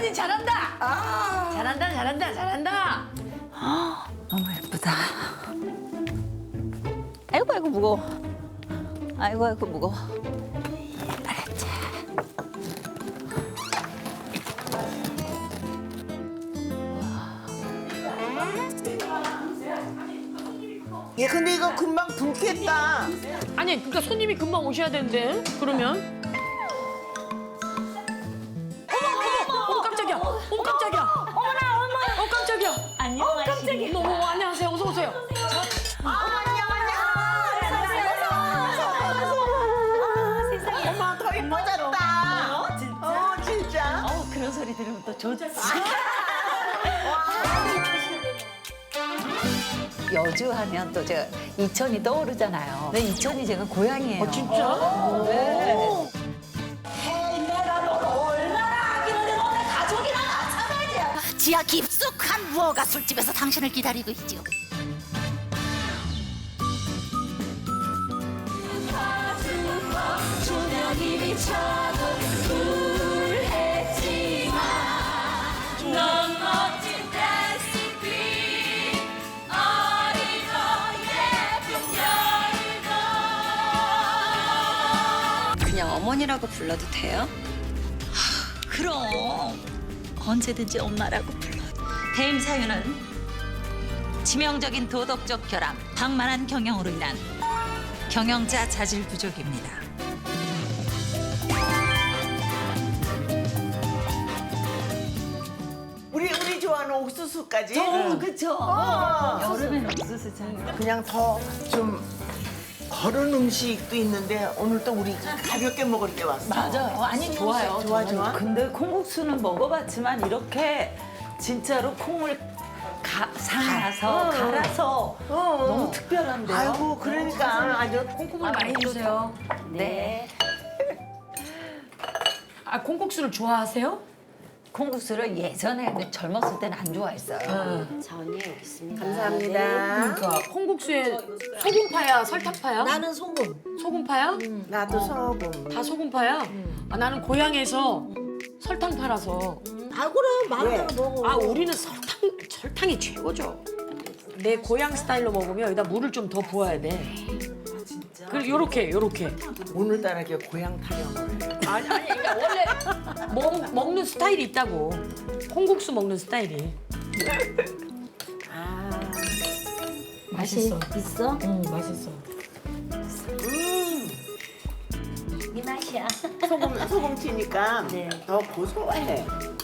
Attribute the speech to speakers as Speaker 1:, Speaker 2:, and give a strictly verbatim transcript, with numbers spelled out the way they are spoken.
Speaker 1: 언니 잘한다.
Speaker 2: 아.
Speaker 1: 잘한다, 잘한다, 잘한다.
Speaker 2: 너무 예쁘다. 아이고 아이고 무거워. 아이고 아이고 무거워. 알았지.
Speaker 3: 얘 근데 이거 금방 붓겠다.
Speaker 1: 아니, 그러니까 손님이 금방 오셔야 되는데. 그러면. 어머, 어머, 어머, 깜짝이야. 어머, 깜짝이야. 어머나, 어머. 어, 깜짝이야.
Speaker 2: 안녕하세요.
Speaker 1: 어머, 어머, 안녕하세요. 어서 오세요.
Speaker 3: 엄마 더 이뻐졌다. 어 진짜? 어 진짜.
Speaker 2: 어 그런 소리 들으면 또 좋지. 여주 하면 또 저 이천이 떠오르잖아요. 네, 이천이 제가 고향이에요.
Speaker 1: 어, 진짜?
Speaker 2: 네.
Speaker 4: 지하 깊숙한 무허가 술집에서 당신을 기다리고 있지요.
Speaker 2: 그냥 어머니라고 불러도 돼요?
Speaker 4: 그럼 언제든지 엄마라고 불러. 대임 사유는 치명적인 도덕적 결함, 방만한 경영으로 인한 경영자 자질 부족입니다.
Speaker 3: 우리 우리 좋아하는 옥수수까지.
Speaker 2: 어, 그쵸.
Speaker 3: 어.
Speaker 2: 여름엔 옥수수 장.
Speaker 3: 그냥 더 좀 거른 음식도 있는데 오늘 또 우리 가볍게 먹을 때 왔어.
Speaker 2: 맞아요. 아니, 좋아요.
Speaker 3: 좋아 좋아.
Speaker 5: 근데 콩국수는 먹어봤지만 이렇게 진짜로 콩을 가, 삶아서 갈아서
Speaker 3: 어.
Speaker 5: 너무 특별한데요?
Speaker 3: 아이고 그러니까 아주
Speaker 1: 콩국물 많이 해주세요.
Speaker 2: 네.
Speaker 1: 아, 콩국수를 좋아하세요?
Speaker 2: 콩국수를 예전에 근데 젊었을 때는 안 좋아했어요.
Speaker 3: 감사합니다.
Speaker 1: 그러니까 콩국수에 소금파야, 설탕파야?
Speaker 6: 나는 소금.
Speaker 1: 소금파야?
Speaker 3: 나도 소금.
Speaker 1: 다 소금파야? 아, 나는 고향에서 설탕파라서.
Speaker 6: 아 그럼 마음대로
Speaker 3: 왜?
Speaker 6: 먹어.
Speaker 1: 아, 우리는 설탕, 설탕이 최고죠. 내 고향 스타일로 먹으면 여기다 물을 좀 더 부어야 돼. 진짜? 그리고 요렇게, 요렇게.
Speaker 3: 오늘따라 이게 고향 타령을 해.
Speaker 1: 아니, 아니, 그러니까 원래 먹, 먹는 스타일이 있다고. 콩국수 먹는 스타일이.
Speaker 3: 아,
Speaker 1: 맛있어.
Speaker 6: 있어?
Speaker 1: 응, 맛있어.
Speaker 3: 음,
Speaker 2: 이 맛이야.
Speaker 3: 소금 소금 튀니까 더 고소해.